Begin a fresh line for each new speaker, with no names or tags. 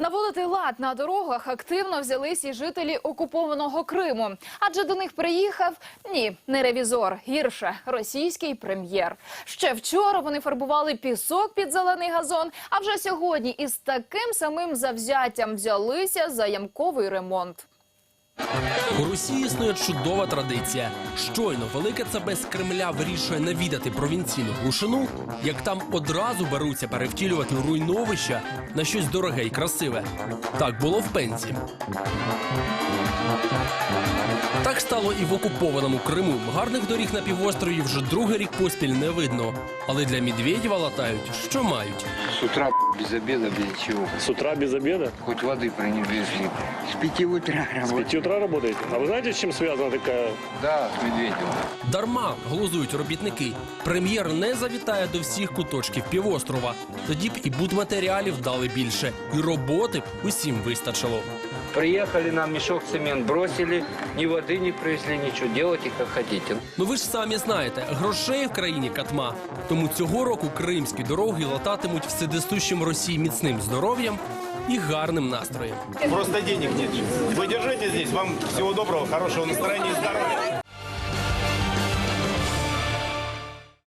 Наводити лад на дорогах активно взялись і жителі окупованого Криму. Адже до них приїхав, не ревізор, гірше, російський прем'єр. Ще вчора вони фарбували пісок під зелений газон, а вже сьогодні із таким самим завзяттям взялися за ямковий ремонт.
У Росії існує чудова традиція. Щойно Велике ЦБ з Кремля вирішує навідати провінційну глушину, як там одразу беруться перевтілювати руйновища на щось дороге і красиве. Так було в Пензі. Так стало і в окупованому Криму. Гарних доріг на півострові вже другий рік поспіль не видно. Але для Медведєва латають, що мають.
С утра без обеда, без ничего.
С утра без обеда?
Хоть воды принесли. С 5 утра
С 5 утра работаете? А вы знаете, с чем связана такая...
Да, с Медведевым.
Дарма, глузують робітники. Прем'єр не завітає до всіх куточків півострова. Тоді б і будматеріалів дали більше. І роботи б усім вистачило.
Приехали, нам мешок цемент бросили, ни воды не привезли, ничего, делайте как хотите.
Ну ви ж самі знаєте, грошей в країні катма. Тому цього року кримські дороги лататимуть вседисущим Росії міцним здоров'ям і гарним настроєм.
Просто денег нет. Вы держите здесь. Вам всего доброго, хорошего настроения и здоровья.